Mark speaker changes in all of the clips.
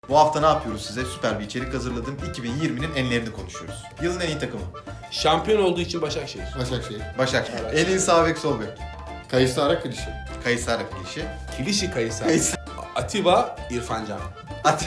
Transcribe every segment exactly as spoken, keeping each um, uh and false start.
Speaker 1: Bu hafta ne yapıyoruz size? Süper bir içerik hazırladım. iki bin yirminin enlerini konuşuyoruz. Yılın en iyi takımı.
Speaker 2: Şampiyon olduğu için Başakşehir.
Speaker 3: Başakşehir.
Speaker 1: Başakşehir.
Speaker 2: Evet.
Speaker 1: En iyi sağ bek sol bek.
Speaker 3: Kayısıara klişe.
Speaker 1: Kayısara klişe.
Speaker 2: Kilişi Kayısar.
Speaker 1: Kayısar.
Speaker 2: Atiba İrfancan.
Speaker 1: At.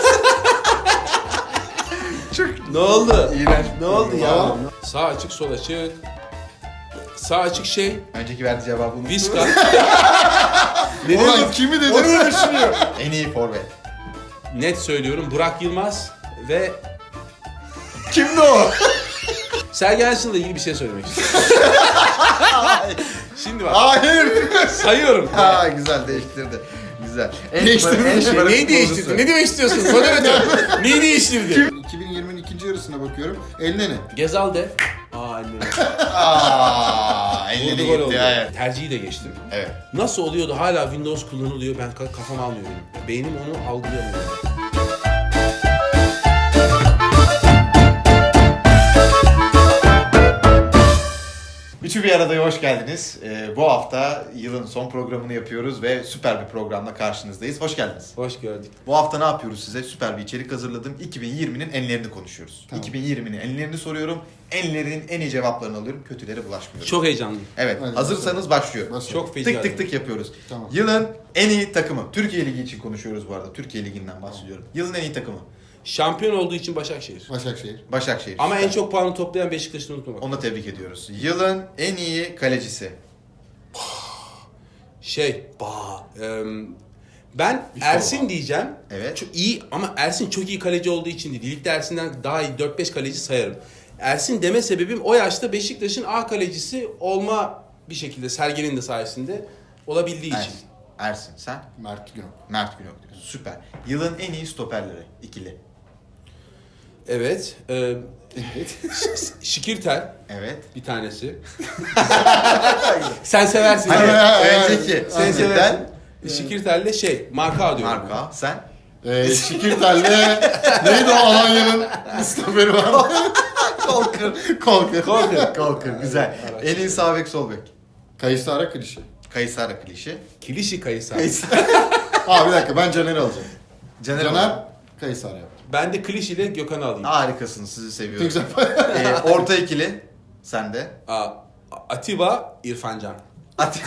Speaker 1: Çok
Speaker 2: Ne oldu?
Speaker 1: iğrenç.
Speaker 2: Ne oldu ya?
Speaker 3: Tamam.
Speaker 2: Sağ açık sol açık. Sağ açık şey.
Speaker 1: Önceki verdiği cevabı unuttum.
Speaker 2: Viska.
Speaker 3: Ne Oğlum kimi dedi?
Speaker 1: Onu düşünüyor. En iyi forvet.
Speaker 2: Net söylüyorum Burak Yılmaz ve
Speaker 1: Kimdi o?
Speaker 2: Sergen Yalçın'la ilgili bir şey söylemek istiyorum. Şimdi bak
Speaker 1: Hayır.
Speaker 2: sayıyorum.
Speaker 1: Ha güzel değiştirdi. Güzel. En
Speaker 3: Değiştirdi.
Speaker 1: en şımarık
Speaker 2: Neyi değiştirdin?
Speaker 1: futbolcusu.
Speaker 2: Ne demek istiyorsun? Moderatör. Neyi değiştirdin?
Speaker 3: iki bin yirminin ikinci yarısına bakıyorum. Eline ne?
Speaker 2: Gezal de. Aa anne.
Speaker 1: Aaa. Eline
Speaker 2: Vurdu gol oldu.
Speaker 1: gitti. Evet.
Speaker 2: Tercihi de geçtim.
Speaker 1: Evet.
Speaker 2: Nasıl oluyordu hala Windows kullanılıyor ben ka- kafam almıyorum. Beynim onu algılayamıyor.
Speaker 1: Üçü bir aradaya hoş geldiniz. Ee, bu hafta yılın son programını yapıyoruz ve süper bir programla karşınızdayız. Hoş geldiniz.
Speaker 2: Hoş gördük.
Speaker 1: Bu hafta ne yapıyoruz size? Süper bir içerik hazırladım. iki bin yirminin enlerini konuşuyoruz.
Speaker 3: Tamam.
Speaker 1: iki bin yirminin enlerini soruyorum. Enlerin en iyi cevaplarını alıyorum. Kötülere bulaşmıyorum.
Speaker 2: Çok heyecanlıyım.
Speaker 1: Evet.
Speaker 3: Hadi
Speaker 1: hazırsanız başlıyor.
Speaker 3: Başla.
Speaker 2: Çok feci.
Speaker 1: Tık tık tık yapıyoruz.
Speaker 3: Tamam.
Speaker 1: Yılın en iyi takımı. Türkiye Ligi için konuşuyoruz bu arada. Türkiye Ligi'nden bahsediyorum. Yılın en iyi takımı.
Speaker 2: Şampiyon olduğu için Başakşehir.
Speaker 3: Başakşehir.
Speaker 1: Başakşehir.
Speaker 2: Ama
Speaker 1: Süper.
Speaker 2: en çok puanı toplayan Beşiktaş'ı unutma bak.
Speaker 1: Onu da tebrik ediyoruz. Yılın en iyi kalecisi.
Speaker 2: Şey, ba, em, ben Ersin diyeceğim.
Speaker 1: Evet.
Speaker 2: Çok iyi ama Ersin çok iyi kaleci olduğu için değil. Ligde Ersin'den daha iyi dört beş kaleci sayarım. Ersin deme sebebim o yaşta Beşiktaş'ın A kalecisi olma bir şekilde Sergen'in de sayesinde olabildiği için.
Speaker 1: Ersin. Ersin. Sen?
Speaker 3: Mert Günok.
Speaker 1: Mert Günok diyorsun. Süper. Yılın en iyi stoperleri. İkili.
Speaker 2: Evet. em,
Speaker 3: Evet.
Speaker 2: Ş- Şikirtel
Speaker 1: Evet.
Speaker 2: bir tanesi. Sen seversin.
Speaker 1: Hani
Speaker 3: Evet.
Speaker 1: önceki.
Speaker 2: Sen
Speaker 1: Sen
Speaker 2: seversin. Şikirtel'le şey, Marka diyorum.
Speaker 1: Marka. Sen?
Speaker 3: Ee, Şikirtel'le neydi o Alanya'nın stoperi var?
Speaker 1: Kolkır. Kolkır.
Speaker 2: Kolkır.
Speaker 1: Kolkır. Güzel. En iyi sağ bek sol bek.
Speaker 3: Kayısıara klişe.
Speaker 1: Kayısara klişe.
Speaker 2: Kilişi Kayısar.
Speaker 1: Kayısara.
Speaker 3: Aa bir dakika ben Caner'i alacağım.
Speaker 1: Caner.
Speaker 3: Caner Kayısıara yaptı.
Speaker 2: Ben de Klişi ile Gökhan'ı alayım.
Speaker 1: Harikasınız. Sizi seviyorum.
Speaker 3: Güzel.
Speaker 1: Ee, orta ikili. Sen de.
Speaker 2: Aa, Atiba İrfancan.
Speaker 1: At.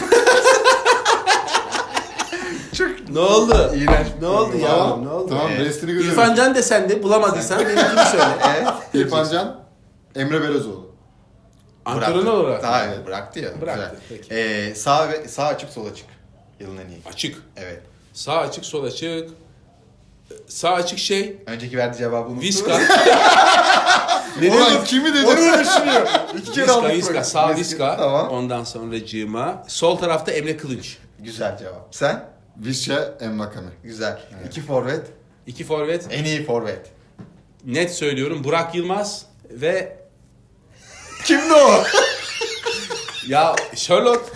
Speaker 1: Çok
Speaker 2: Ne oldu?
Speaker 1: İğrenç.
Speaker 2: Ne oldu ya?
Speaker 3: Tamam.
Speaker 2: Ne oldu?
Speaker 3: Tamam
Speaker 1: Evet.
Speaker 3: restini görüyorum.
Speaker 2: İrfan Can desen de bulamadıysan benimkini söyle.
Speaker 1: Evet.
Speaker 3: İrfan Can. Emre Belözoğlu.
Speaker 2: Antrenör
Speaker 1: Bıraktı.
Speaker 2: olarak.
Speaker 1: Daha evet, bıraktı ya.
Speaker 2: Bıraktı,
Speaker 1: Güzel.
Speaker 2: peki.
Speaker 1: Ee, sağ ve sağ açık sol açık. Yılın en iyi.
Speaker 2: Açık.
Speaker 1: Evet.
Speaker 2: Sağ açık, sol açık. Sağ açık şey.
Speaker 1: Önceki verdiği cevabı unuttum.
Speaker 2: Viska.
Speaker 1: Ne
Speaker 3: Oğlum
Speaker 1: demek?
Speaker 3: kimi dedi?
Speaker 1: Onu düşünüyor. İki kere
Speaker 2: Viska,
Speaker 1: aldık
Speaker 2: Viska.
Speaker 1: böyle.
Speaker 2: Sağ Viska.
Speaker 1: Tamam.
Speaker 2: Ondan sonra Cima. Sol tarafta Emre Kılınç.
Speaker 1: Güzel cevap. Sen?
Speaker 3: Visca Envakame.
Speaker 1: Güzel. İki forvet.
Speaker 2: İki forvet.
Speaker 1: En iyi forvet.
Speaker 2: Net söylüyorum Burak Yılmaz ve
Speaker 1: Kimdi o?
Speaker 2: ya Charlotte.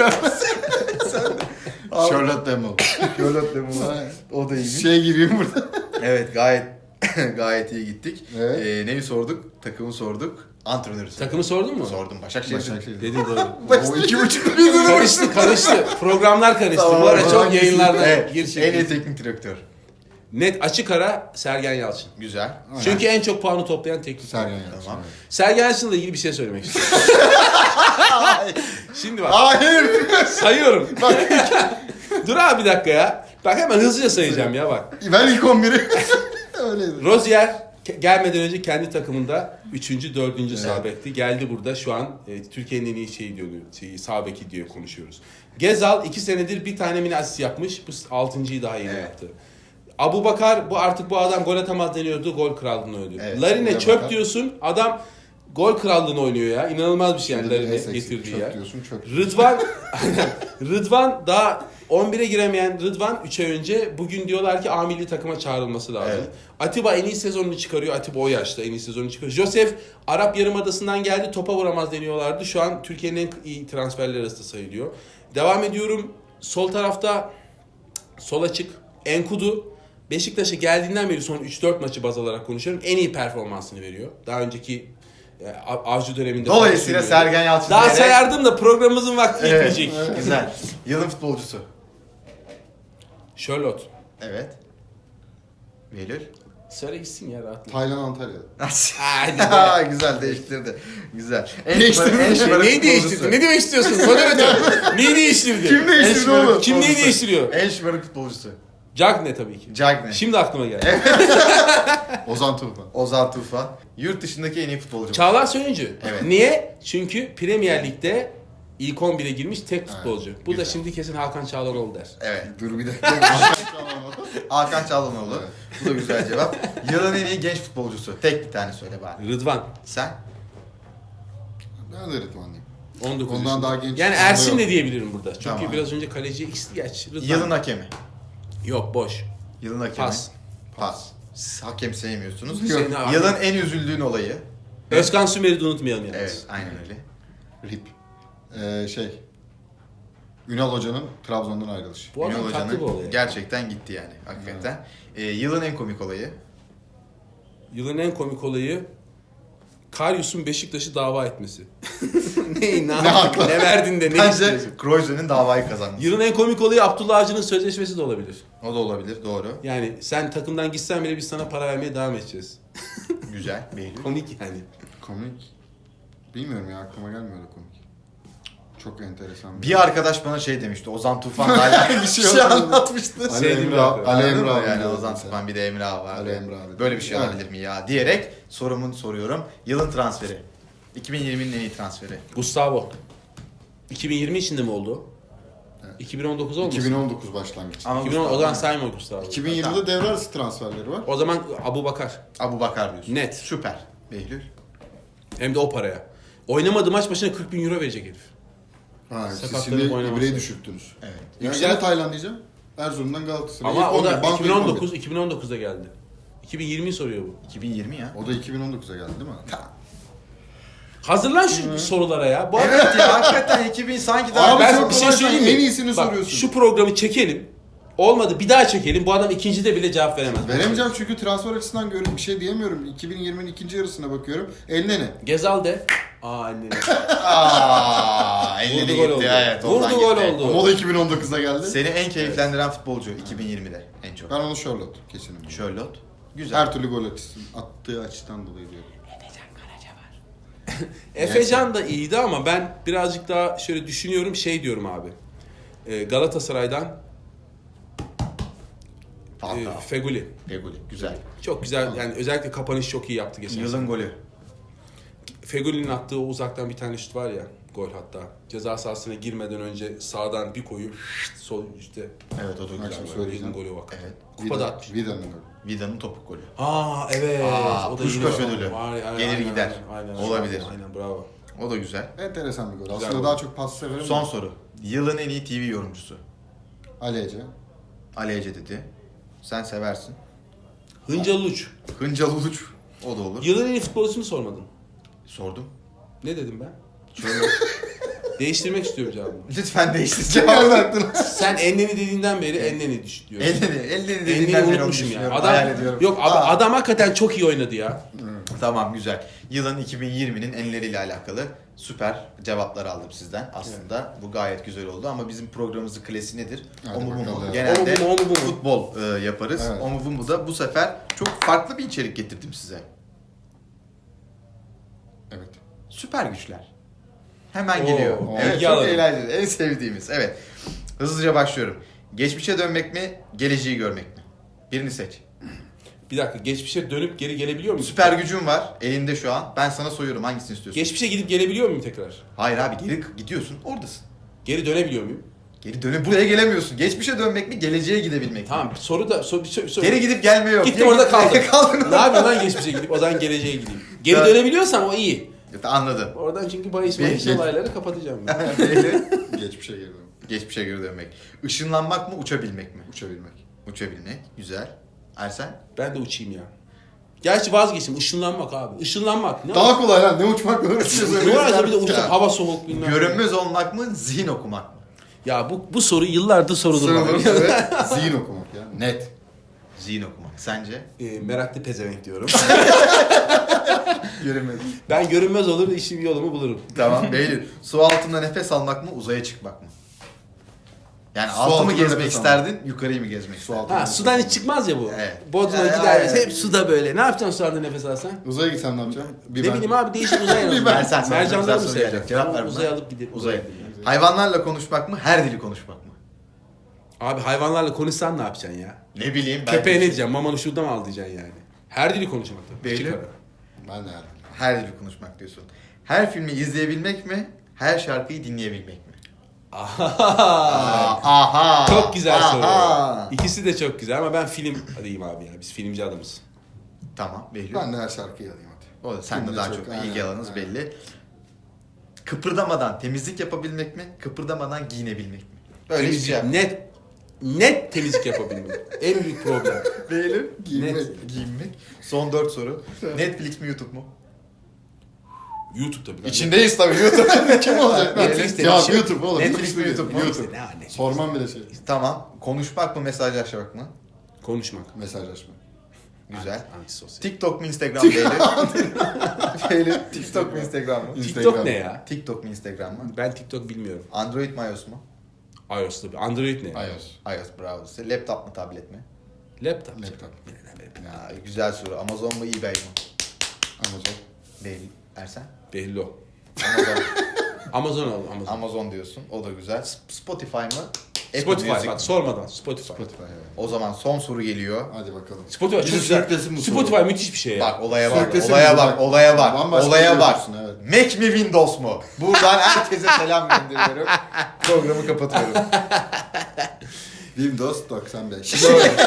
Speaker 3: Charlotte Demol.
Speaker 1: Charlotte Demol. O da iyiymiş.
Speaker 3: Şey gibiyim burada.
Speaker 1: Evet gayet gayet iyi gittik.
Speaker 3: Evet.
Speaker 1: Ee, neyi sorduk? Takımı sorduk. Antrenörü sorduk.
Speaker 2: Takımı sordun mu?
Speaker 1: Sordum. Başakşehir.
Speaker 3: Başakşehir.
Speaker 2: Dedin doğru.
Speaker 3: O iki buçuk.
Speaker 2: Karıştı karıştı. Programlar karıştı.
Speaker 1: Tamam,
Speaker 2: Bu ara çok
Speaker 1: tamam.
Speaker 2: yayınlarda
Speaker 1: Evet.
Speaker 2: gir
Speaker 1: En
Speaker 2: çekil.
Speaker 1: iyi teknik direktör.
Speaker 2: Net açık ara Sergen Yalçın.
Speaker 1: Güzel.
Speaker 2: Çünkü en çok puanı toplayan teknik.
Speaker 3: Sergen Yalçın.
Speaker 1: Tamam.
Speaker 3: evet.
Speaker 2: Sergen Yalçın'la ilgili bir şey söylemek istiyorum. Şimdi bak
Speaker 1: Hayır.
Speaker 2: sayıyorum. Dur abi bir dakika ya. Bak hemen hızlıca sayacağım ya bak.
Speaker 3: Ben ilk on biri. Öyleydi.
Speaker 2: Rozier ke- gelmeden önce kendi takımında üçüncü, dördüncü
Speaker 3: Evet.
Speaker 2: sağ bekti. Geldi burada şu an e, Türkiye'nin en iyi şeyi diyor, şeyi, sağ beki diye konuşuyoruz. Gezal iki senedir bir tane mini asist yapmış. Bu altıncıyı daha yeni
Speaker 1: Evet.
Speaker 2: yaptı. Abubakar bu artık bu adam gol atamaz deniyordu. Gol krallığını oynuyor.
Speaker 1: Evet,
Speaker 2: Larine
Speaker 3: Abubakar.
Speaker 2: çöp diyorsun. Adam gol krallığını oynuyor ya. İnanılmaz bir şey yani
Speaker 3: Şimdi de
Speaker 2: Larine
Speaker 3: Essex
Speaker 2: getirdiği
Speaker 3: çöp
Speaker 2: yer.
Speaker 3: diyorsun çöp.
Speaker 2: Rıdvan Rıdvan daha on bire giremeyen Rıdvan üç ay önce bugün diyorlar ki A milli takıma çağrılması lazım.
Speaker 1: Evet.
Speaker 2: Atiba en iyi sezonunu çıkarıyor. Atiba o yaşta en iyi sezonunu çıkarıyor. Josef Arap Yarımadası'ndan geldi. Topa vuramaz deniyorlardı. Şu an Türkiye'nin en iyi transferler arasında sayılıyor. Devam ediyorum. Sol tarafta sol açık Enkudu. Beşiktaş'a geldiğinden beri son üç dört maçı baz alarak konuşuyorum. En iyi performansını veriyor. Daha önceki e, Avcı döneminde.
Speaker 1: Dolayısıyla
Speaker 2: falan
Speaker 1: Sergen Yalçın.
Speaker 2: daha
Speaker 1: diyerek-
Speaker 2: sayardım da programımızın vakti
Speaker 1: Evet.
Speaker 2: yetmeyecek.
Speaker 1: Güzel. Yılın futbolcusu.
Speaker 2: Charlotte.
Speaker 1: Evet. Behlül.
Speaker 2: Söyle gitsin ya rahatla.
Speaker 3: Taylan Antalya'da.
Speaker 2: Hadi be.
Speaker 1: Güzel değiştirdi. Güzel. En
Speaker 3: Değiştirdi.
Speaker 1: şımarık- en şımarık
Speaker 2: Neyi
Speaker 1: futbolcusu.
Speaker 2: değiştirdin? Ne demek istiyorsun? Moderatör. Neyi değiştirdi?
Speaker 3: Kim
Speaker 1: En
Speaker 3: değiştirdi
Speaker 1: şımarık
Speaker 3: oğlum?
Speaker 2: Kim neyi
Speaker 1: futbolcusu.
Speaker 2: değiştiriyor?
Speaker 1: En şımarık futbolcusu.
Speaker 2: Cagne tabii ki.
Speaker 1: Cagne.
Speaker 2: Şimdi aklıma geldi.
Speaker 3: Ozan Tufan.
Speaker 1: Ozan Tufan. Yurt dışındaki en iyi futbolcu.
Speaker 2: Çağlar Söyüncü.
Speaker 1: Evet.
Speaker 2: Niye? Çünkü Premier Lig'de ilk on bire girmiş tek futbolcu. Bu da
Speaker 1: güzel.
Speaker 2: şimdi kesin Hakan Çağlanoğlu der.
Speaker 1: Evet.
Speaker 3: Dur bir dakika.
Speaker 1: Hakan Çalhanoğlu.
Speaker 3: Evet.
Speaker 1: Bu da güzel cevap. Yılın en iyi genç futbolcusu. Tek bir tane söyle bari.
Speaker 2: Rıdvan.
Speaker 1: Sen?
Speaker 3: Ben de Rıdvan'lıyım.
Speaker 2: on dokuz
Speaker 3: Ondan
Speaker 2: yaşında.
Speaker 3: daha genç
Speaker 2: Yani
Speaker 3: bir
Speaker 2: Ersin
Speaker 3: yok.
Speaker 2: de diyebilirim burada. Çünkü
Speaker 1: Tamam.
Speaker 2: biraz önce kaleciye X geç. Rıdvan.
Speaker 1: Yılın hakemi.
Speaker 2: Yok boş.
Speaker 1: Yılın hakemi.
Speaker 2: Pas.
Speaker 1: Pas. Siz hakem sevmiyorsunuz.
Speaker 2: Hüseyin abi.
Speaker 1: Yılın en üzüldüğün olayı.
Speaker 2: Özkan Sümer'i de unutmayalım yalnız.
Speaker 1: Evet, aynen öyle.
Speaker 3: Rip. Ee, şey. Ünal Hoca'nın Trabzon'dan ayrılışı.
Speaker 2: Bu adam
Speaker 1: Ünal
Speaker 2: tatlı bir
Speaker 1: Hoca'nın
Speaker 2: olay.
Speaker 1: gerçekten gitti yani. Hakikaten. Ee, yılın en komik olayı.
Speaker 2: Yılın en komik olayı Karius'un Beşiktaş'ı dava etmesi. ne, ne,
Speaker 3: Ne hakla?
Speaker 2: ne verdin de ne
Speaker 1: Bence
Speaker 2: istiyorsun?
Speaker 1: Kroise'nin davayı kazanması.
Speaker 2: Yılın en komik olayı Abdullah Avcı'nın sözleşmesi de olabilir.
Speaker 1: O da olabilir, doğru.
Speaker 2: Yani sen takımdan gitsen bile biz sana para vermeye devam edeceğiz.
Speaker 1: Güzel. Behlül.
Speaker 2: Komik yani.
Speaker 3: Komik. Bilmiyorum ya, aklıma gelmiyor öyle komik. Çok enteresan.
Speaker 1: Bir arkadaş bana şey demişti. Ozan Tufan'la alakalı bir şey anlatmıştı.
Speaker 3: Ali
Speaker 2: Sevdiğim
Speaker 3: Emre,
Speaker 2: bir
Speaker 3: Ali
Speaker 1: Anladın
Speaker 3: Emre
Speaker 1: mı?
Speaker 3: abi.
Speaker 1: Yani
Speaker 3: diyor
Speaker 1: Ozan
Speaker 3: mesela.
Speaker 1: Tufan bir de Emre abi var.
Speaker 3: Ali Emre abi.
Speaker 1: Böyle bir şey
Speaker 3: Yani.
Speaker 1: olabilir mi ya? Diyerek sorumu soruyorum. Yılın transferi. iki bin yirminin en iyi transferi.
Speaker 2: Gustavo. iki bin yirmi içinde mi oldu?
Speaker 3: Evet.
Speaker 2: iki bin on dokuz olmasın?
Speaker 3: iki bin on dokuz başlangıç.
Speaker 1: Ama
Speaker 2: iki bin on, o zaman sayma Gustavo.
Speaker 3: iki bin yirmide devre arası transferleri var.
Speaker 2: O zaman Abu Bakar.
Speaker 1: Abu Bakar diyorsun.
Speaker 2: Net.
Speaker 1: Süper. Behlül.
Speaker 2: Hem de o paraya. Oynamadığı maç başına kırk bin euro verecek herif.
Speaker 3: Ha, siz
Speaker 2: Sakatlanıp
Speaker 3: şimdi
Speaker 2: oynaması.
Speaker 3: ibreyi düşürttünüz.
Speaker 1: Evet.
Speaker 3: Yani
Speaker 2: Yüksel-
Speaker 3: yine Tayland diyeceğim. Erzurum'dan Galatasaray.
Speaker 2: Ama
Speaker 3: İlk
Speaker 2: o
Speaker 3: on bir,
Speaker 2: da
Speaker 3: banko
Speaker 2: iki bin
Speaker 3: ilk
Speaker 2: on
Speaker 3: on bir.
Speaker 2: dokuz iki bin on dokuzda geldi. iki bin yirmiyi soruyor bu.
Speaker 1: iki bin yirmi ya.
Speaker 3: O da iki bin on dokuza geldi değil mi?
Speaker 2: Hazırlan şu sorulara ya. Bu
Speaker 1: Evet ya hakikaten iki bin sanki daha...
Speaker 3: Abi
Speaker 2: ben
Speaker 3: çok
Speaker 2: bir şey
Speaker 3: kolay,
Speaker 2: söyleyeyim
Speaker 3: sen
Speaker 2: mi?
Speaker 3: en iyisini
Speaker 2: Bak,
Speaker 3: soruyorsun.
Speaker 2: Şu programı çekelim. Olmadı bir daha çekelim. Bu adam ikincide bile cevap veremez.
Speaker 3: Veremeyeceğim çünkü transfer açısından görüp bir şey diyemiyorum. iki bin yirminin ikinci yarısına bakıyorum. Eline ne?
Speaker 2: Gezal de. Aa anneni.
Speaker 1: Aaa elleri
Speaker 2: Vurdu
Speaker 1: gitti.
Speaker 2: gol oldu.
Speaker 1: Evet, oradan
Speaker 2: Vurdu gol
Speaker 1: gitti.
Speaker 2: oldu.
Speaker 3: Ama o da iki bin on dokuzda geldi.
Speaker 1: Seni en keyiflendiren futbolcu iki bin yirmide en çok.
Speaker 3: Ben onu Charlotte kesin.
Speaker 1: Charlotte. Güzel.
Speaker 3: Her türlü gol açısı, attığı açıdan dolayı diyorum.
Speaker 2: Efecan da iyiydi ama ben birazcık daha şöyle düşünüyorum şey diyorum abi. Ee, Galatasaray'dan
Speaker 1: Hatta.
Speaker 2: e, Feguli.
Speaker 1: Feguli. Güzel.
Speaker 2: Çok güzel yani özellikle kapanış çok iyi yaptı geçen sene.
Speaker 1: Yılın golü.
Speaker 2: Feguli'nin attığı o uzaktan bir tane şut var ya gol hatta. Ceza sahasına girmeden önce sağdan bir koyu sol işte.
Speaker 1: Evet o da güzel.
Speaker 3: Akşam
Speaker 1: gol.
Speaker 3: söyleyeceğim.
Speaker 2: Yılın golü bak.
Speaker 1: Evet.
Speaker 2: Kupada atmış.
Speaker 3: Vida'nın golü.
Speaker 1: Vida'nın topuk golü.
Speaker 2: Aa evet.
Speaker 1: Aa,
Speaker 2: o da
Speaker 1: Puskás
Speaker 2: yine-
Speaker 1: ödülü.
Speaker 2: Var, aynen,
Speaker 1: Gelir
Speaker 2: aynen,
Speaker 1: gider.
Speaker 2: Aynen,
Speaker 1: Olabilir.
Speaker 2: Aynen bravo.
Speaker 1: O da güzel.
Speaker 3: Enteresan bir gol.
Speaker 2: Güzel
Speaker 3: Aslında
Speaker 2: gol.
Speaker 3: daha çok pas severim.
Speaker 1: Son soru. Yılın en iyi T V yorumcusu.
Speaker 3: Ali Ece.
Speaker 1: Ali Ece dedi. Sen seversin.
Speaker 2: Hıncalı Uç.
Speaker 1: Hıncal Uluç. O da olur.
Speaker 2: Yılın en iyi futbolcusunu sormadın.
Speaker 1: Sordum.
Speaker 2: Ne dedim ben?
Speaker 1: Şöyle.
Speaker 2: Değiştirmek istiyorum cevabımı.
Speaker 1: Lütfen değiştir cevabını.
Speaker 2: Sen Enneni dediğinden beri Enneni düş diyorsun.
Speaker 1: Elini, elini
Speaker 2: Enneni
Speaker 1: dediğinden beri onu
Speaker 2: unutmuşum ya.
Speaker 1: düşünüyorum.
Speaker 2: Adam,
Speaker 1: Hayal ediyorum.
Speaker 2: yok abi,
Speaker 1: Aa,
Speaker 2: adam hakikaten çok iyi oynadı ya.
Speaker 1: Tamam güzel. Yılın iki bin yirminin enleriyle alakalı süper cevaplar aldım sizden. Aslında bu gayet güzel oldu ama bizim programımızın klasiği nedir?
Speaker 3: Hadi
Speaker 1: O mu bu mu?
Speaker 3: bakalım.
Speaker 1: Genelde
Speaker 2: O mu bu mu, o mu bu mu?
Speaker 1: futbol e, yaparız.
Speaker 3: Evet.
Speaker 1: O mu bu mu da bu sefer çok farklı bir içerik getirdim size.
Speaker 3: Evet.
Speaker 1: Süper güçler. Hemen
Speaker 2: Oo,
Speaker 1: geliyor.
Speaker 2: o,
Speaker 1: Evet
Speaker 2: ilgi
Speaker 1: çok
Speaker 2: alalım.
Speaker 1: eğlenceli. En sevdiğimiz. Evet. Hızlıca başlıyorum. Geçmişe dönmek mi? Geleceği görmek mi? Birini seç.
Speaker 2: Bir dakika geçmişe dönüp geri gelebiliyor muyum?
Speaker 1: Süper gücün var elinde şu an. Ben sana soruyorum hangisini istiyorsun?
Speaker 2: Geçmişe gidip gelebiliyor muyum tekrar?
Speaker 1: Hayır abi geri gidiyorsun oradasın.
Speaker 2: Geri dönebiliyor muyum?
Speaker 1: Geri dönüp buraya gelemiyorsun. Geçmişe dönmek mi? Geleceğe gidebilmek mi?
Speaker 2: Tamam soru da soru, soru, soru.
Speaker 1: Geri gidip gelme yok.
Speaker 2: Gittim
Speaker 1: Geri
Speaker 2: orada
Speaker 1: gidip-
Speaker 2: kaldım.
Speaker 1: Kaldın.
Speaker 2: Ne yapayım lan geçmişe gidip o zaman geleceğe gideyim. Geri
Speaker 1: Ben-
Speaker 2: dönebiliyorsam o iyi.
Speaker 1: Anladım.
Speaker 2: Oradan çünkü bahis
Speaker 1: Bir-
Speaker 2: bahis olayları kapatacağım ben.
Speaker 3: Geçmişe girdim.
Speaker 1: Geçmişe geri dönmek. Işınlanmak mı? Uçabilmek mi?
Speaker 3: Uçabilmek.
Speaker 1: Uçabilmek. Güzel. Ersen?
Speaker 2: Ben de uçayım ya. Gerçi vazgeçtim. Işınlanmak abi. Işınlanmak. Ne
Speaker 3: Daha kolay lan. Ne uçmak ne uçuyorsun?
Speaker 2: Ne var ya bir de uçak, hava soğuk bilmem. ne.
Speaker 1: Görünmez olmak mı? Zihin okumak mı?
Speaker 2: Ya bu bu soru yıllardır sorulur bana.
Speaker 3: Sınırlı evet. Zihin okumak ya.
Speaker 1: Net. Zihin okumak. Sence?
Speaker 2: E, meraklı pezevenk diyorum.
Speaker 1: Görünmez.
Speaker 2: Ben görünmez olur işim yolumu bulurum.
Speaker 1: Tamam. Beylül. Su altında nefes almak mı? Uzaya çıkmak mı? Yani
Speaker 3: Su
Speaker 1: altı mı
Speaker 3: altında
Speaker 1: gezmek
Speaker 3: nefes
Speaker 1: isterdin, yukarıyı mı gezmek
Speaker 3: Su
Speaker 1: isterdin?
Speaker 3: altında.
Speaker 2: Ha sudan hiç çıkmaz ya bu.
Speaker 1: Evet.
Speaker 2: Bodrum'a
Speaker 1: Ya,
Speaker 2: gideriz
Speaker 1: ya, ya.
Speaker 2: hep suda böyle. Ne yapacaksın sularda nefes alsan?
Speaker 3: Uzaya gitsen ne yapacaksın? Bir
Speaker 2: ne
Speaker 3: ben-
Speaker 2: bileyim abi değişik uzay en azından.
Speaker 1: Versen sana
Speaker 2: Mercanları
Speaker 1: güzel
Speaker 2: mı
Speaker 1: soru
Speaker 2: seveceksin?
Speaker 1: gelecek. Cevap ver buna.
Speaker 2: Uzaya alıp gidip
Speaker 1: Uzay.
Speaker 2: uzaya.
Speaker 1: Hayvanlarla konuşmak mı, her dili konuşmak mı?
Speaker 2: Abi hayvanlarla konuşsan ne yapacaksın ya?
Speaker 1: Ne bileyim ben.
Speaker 2: Köpeğe ne diyeceksin? Mamanı şurada mı al diyeceksin yani? Her dili konuşmak tabii.
Speaker 1: Belli.
Speaker 2: Küçük ara.
Speaker 3: Ben de yani.
Speaker 1: Her dili konuşmak diyorsun. Her filmi izleyebilmek mi, her şarkıyı dinleyebilmek mi?
Speaker 2: Aha.
Speaker 1: Aha.
Speaker 2: Çok güzel soru.
Speaker 1: Aha.
Speaker 2: İkisi de çok güzel ama ben film diyeyim abi ya. Biz filmci adamız.
Speaker 1: Tamam, belli.
Speaker 3: Ben de her şarkıyı alayım hadi.
Speaker 1: O da sen de
Speaker 3: Filmde
Speaker 1: daha
Speaker 3: çok,
Speaker 1: çok
Speaker 3: aynen,
Speaker 1: ilgi alanınız
Speaker 3: aynen.
Speaker 1: belli. Kıpırdamadan temizlik yapabilmek mi, kıpırdamadan giyinebilmek mi? Böyle bir
Speaker 2: Temizlik,
Speaker 1: şey yap.
Speaker 2: net net temizlik yapabilmek. En büyük problem.
Speaker 1: Beğenir.
Speaker 3: Giyinmek.
Speaker 2: Net.
Speaker 1: Giyinmek. Son dört soru. Netflix mi, YouTube mu?
Speaker 2: YouTube tabii. lan.
Speaker 1: İçindeyiz tabii YouTube.
Speaker 3: Kim olacak?
Speaker 2: Netflix
Speaker 3: Cevap
Speaker 2: demiş.
Speaker 3: YouTube oğlum.
Speaker 1: Netflix mi, YouTube mu?
Speaker 3: YouTube.
Speaker 2: Ne anne?
Speaker 3: Sormam bile şey.
Speaker 1: Tamam. Konuşmak mı, mesajlaşmak mı?
Speaker 2: Konuşmak.
Speaker 3: Mesajlaşma.
Speaker 1: Güzel.
Speaker 2: Antisosyal.
Speaker 1: TikTok mu, Instagram mı? Beğenir. Beğenir. TikTok mu, Instagram mı?
Speaker 2: TikTok
Speaker 3: Instagram.
Speaker 2: ne ya?
Speaker 1: TikTok mu, Instagram mı?
Speaker 2: Ben TikTok bilmiyorum.
Speaker 1: Android mi, iOS mu?
Speaker 2: iOS tabii. Android ne?
Speaker 3: iOS.
Speaker 1: iOS, bravo size. Laptop mu, tablet mi?
Speaker 2: Laptop.
Speaker 3: Laptop.
Speaker 1: Ya, güzel soru. Amazon mu, eBay mi?
Speaker 3: Amazon.
Speaker 1: Değil. Ersen?
Speaker 2: Belli o.
Speaker 1: Amazon.
Speaker 2: Amazon al. Amazon.
Speaker 1: Amazon diyorsun. O da güzel. Sp- Spotify mı? Apple
Speaker 2: Spotify
Speaker 1: Music
Speaker 2: bak
Speaker 1: mi?
Speaker 2: sormadan Spotify.
Speaker 3: Spotify evet.
Speaker 1: O zaman son soru geliyor.
Speaker 3: Hadi bakalım.
Speaker 2: Spotify
Speaker 3: Bizi
Speaker 2: çok güzel.
Speaker 3: sürüklesin bu
Speaker 2: Spotify
Speaker 3: soru.
Speaker 2: müthiş bir şey ya.
Speaker 1: Bak olaya bak,
Speaker 3: Sürüklesin
Speaker 1: olaya
Speaker 3: bizi
Speaker 1: bak,
Speaker 3: bak.
Speaker 1: olaya bak,
Speaker 3: Bambaşka
Speaker 1: olaya
Speaker 3: bir
Speaker 1: bak.
Speaker 3: diyorsun, evet.
Speaker 1: Mac mi, Windows mu? Buradan herkese selam gönderiyorum. Programı kapatıyorum.
Speaker 3: Windows doksan beş.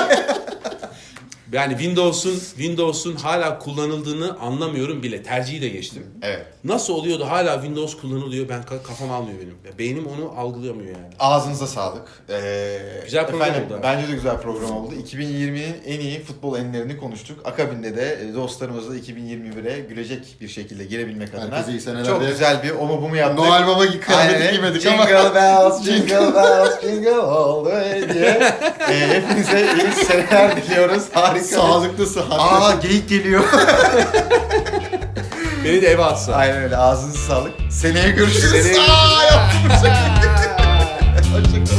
Speaker 2: Yani Windows'un Windows'un hala kullanıldığını anlamıyorum bile. Tercihi de geçtim.
Speaker 1: Evet.
Speaker 2: Nasıl oluyor da hala Windows kullanılıyor? Ben ka- kafam almıyor benim. Ya beynim onu algılayamıyor yani.
Speaker 1: Ağzınıza sağlık. Ee,
Speaker 2: Güzel program
Speaker 1: efendim,
Speaker 2: oldu.
Speaker 1: Bence de güzel program oldu. iki bin yirminin en iyi futbol enlerini konuştuk. Akabinde de e, dostlarımızla iki bin yirmi bire gülecek bir şekilde girebilmek adına
Speaker 3: Herkese iyi seneler
Speaker 1: çok
Speaker 3: diye.
Speaker 1: güzel bir o mu bu mu yaptık.
Speaker 3: Noel Baba gibi kıyafeti
Speaker 1: Aynen.
Speaker 3: giymedik
Speaker 1: Jingle
Speaker 3: ama.
Speaker 1: bells, jingle bells, jingle all the way diye. E, hepinize iyi seneler diliyoruz. Harika.
Speaker 3: Sağlıklı sıhhatli.
Speaker 1: Aa geyik geliyor.
Speaker 2: Beni de eve atsa.
Speaker 1: Aynen öyle. Ağzınıza sağlık. Seneye görüşürüz.
Speaker 2: Seneye
Speaker 1: Aa, yaptım. Hoşçakalın.